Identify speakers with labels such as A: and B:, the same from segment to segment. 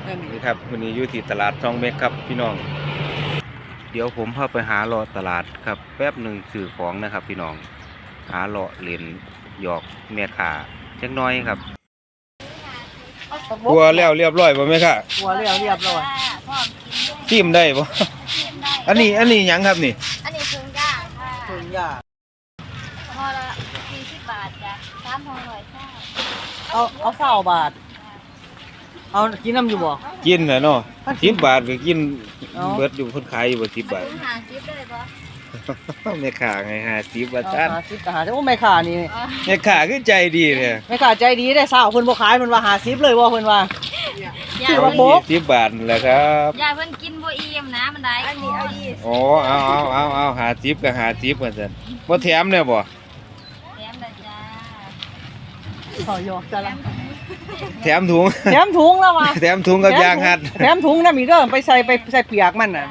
A: นี่ครับวันนี้อยู่ที่ตลาดช่องเม็กครับพี่น้องเดี๋ยวผมพาไปหาเลาะตลาดครับแป๊บหนึ่งซื้อของนะครับพี่น้องหาเลาะเล่นหยอกแม่ค้าจักน้อยครับกลัวแล้วเรียบร้อยบ่แม่ค่ะ
B: หัวเรียบร้อย
A: จิ้มได้บ่อันนี้หยังครับนี่
C: อันนี้ถึงย่างค่ะ
B: ถึงยา
C: ห่อละ40 บาทจ้ะ3ห่อ100จ้า
B: เอา20 บาทเอากินน้ำอยู่บ่
A: กินแหละเนาะ10 บาทก็กินเบิดอยู่เพิ่นขายอยู่บ่10 บาท
C: 50ได้บ่
A: แม่ค้าไง50บาทจ้า
B: 50ก็50โอ้แม่ค้านี่
A: แม่ค้าคือใจดีแท้
B: แม่ค้าใจดีได้สาวเพิ่นบ่ขายเพิ่นว่า50เลยบ่เพิ่นว่า
A: ซื้อมาโบก10 บาทแหละครับ
C: อย่าเพิ่นกินบ่อิ่มนะมันได้อันนี้เอาอีก
A: อ๋อเอา50ก็50ว่าซั่นบ่แถมแน่บ่
C: แถมได้จ้า
B: ขอยอกจ้ะล่ะ
A: แถมถุง
B: แล้วว่ะ
A: แถมถุงกับยางหัด
B: แถมถุงนำอีกเด้อไปใส่เปียกมันน่ะ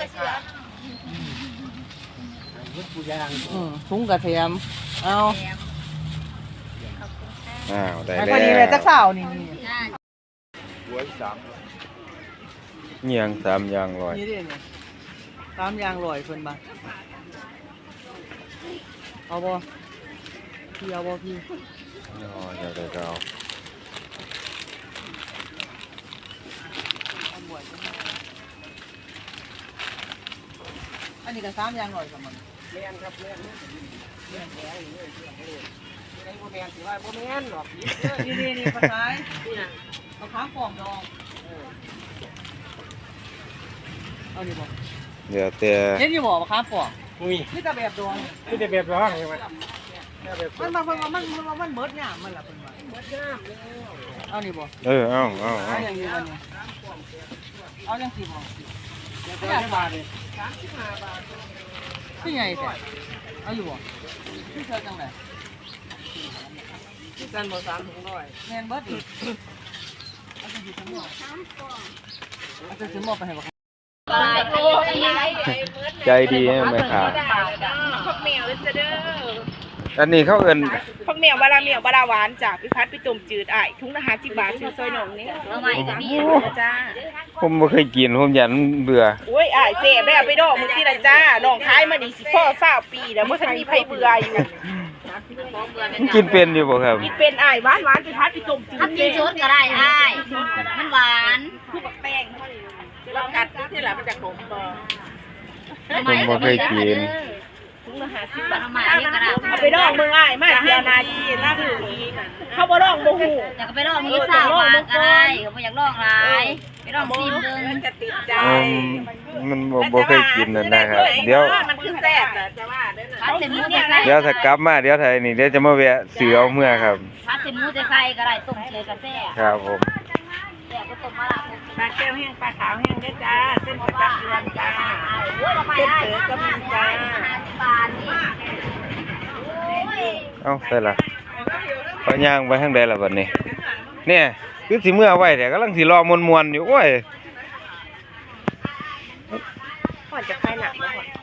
B: ถุงกระเทียมเอา
A: ได้แล้ว
B: พอดีเลยจักสาวนี่
A: หัว3เงียง3อย่าง100
B: นี่ดินี่3อย่าง100เพิ่นบ่เอาบ่พี่เอาบ่พี่
A: อ๋อเดี๋ยวเอา
B: อันนี้ก็3อย่าง100ครับมันแม่นครับแม่นแล้วเลยไอ้บ่แม่นสิว่าบ่แม่นหรอกนี่ภาษานี่น่ะเอาค้างฟองดองเอานี่บ่
A: เดี๋ยวแต่
B: เห็นอยู่บ่ค้างฟองมีแต่แบบดอง
D: มีแต่แบบดองใช่มั้ย
B: มันเบิดยามมันล่ะเพิ่นว่าเบิดยามแล้วเอานี่บ่
A: เอา
B: อย่างนี้วันนี้เอาจังสิบ่30 บาทเลย35 บาทคือไงแท้เอาอยู่บ่คือเท่าจังได๋คือกันบ่3ถุงร้อยแม่นเบิดอีกเอาจังสิสมมุติเอาจังสิหมอไปให้บ่
A: ใจดีไหมครับ
E: ผักเหมียวเด้อ
A: อันนี้เขาเอิ้น
E: ผักเหมียวบาราเหมียวบาราหวานจากพิพัฒน์ไปต้มจืดถุงละ50 บาทซื้อซอยหนองนี่
C: เอาใหม่ก็มี
E: จ้า
A: ผมบ่เคยกินผมยันเบื่อ
E: โอ้ยเสพได้เอาไปดอกมื้อที่ละจ้าน้องขายมานี่สิพ่อ20 ปีแล้วบ่ทันมีไผเบื่ออยู่
A: กินเป็นอยู่บ่ครับ
E: กินเป็นหวานพิพัฒน์ไปต้มจืด
C: กินสดก็ได้มันหวาน
E: คือบักแป้งเรากัดที่ละมันจะขมบ่
A: ผมบ่เคยกิน
E: ถุงละ50 บาทเอาไปดอกมึงมาเที่ยวนาดีน่าซื้ออีกเขาบ่ดอกบ่ฮู้
C: อยากไปลองมื้อ20 บาทก็ได้บ่อยากลองหลายไปลองชิมเบิ่ง
E: มันจะติดใจ
A: มันบ่เคยกินนั่นนะครับเดี๋ยว
E: มันคือแซ่บน่ะจะว่าเด้อ
C: ผัดเส้นหมูใส่
A: เดี๋ยวถ้ากลับมาเดี๋ยวไทยนี่เดี๋ยวจะมาแวะซื้อเอาเมื่อครับ
C: ผัดเส้นหมูใส่ก็ได้ต้มเฉยก็แซ่บ
A: ครับผม
C: แซ่บก็ต้มมะระ
E: ปลาแก้วแห้งปลาขาวแห้งด้วยจ้าเส้นประจำเดือนจ้าเส้นเสือก็มีจ้า
C: บาทนี่
A: เอ้าใส่ละพอย่างไปทางใดล่ะบัดนี้เนี่ยคือสิเมื่อไว้แต่กำลังสิรอมวนๆอยู่โอ้ย
E: ก่อนจะคลายหนักแล้วก่อน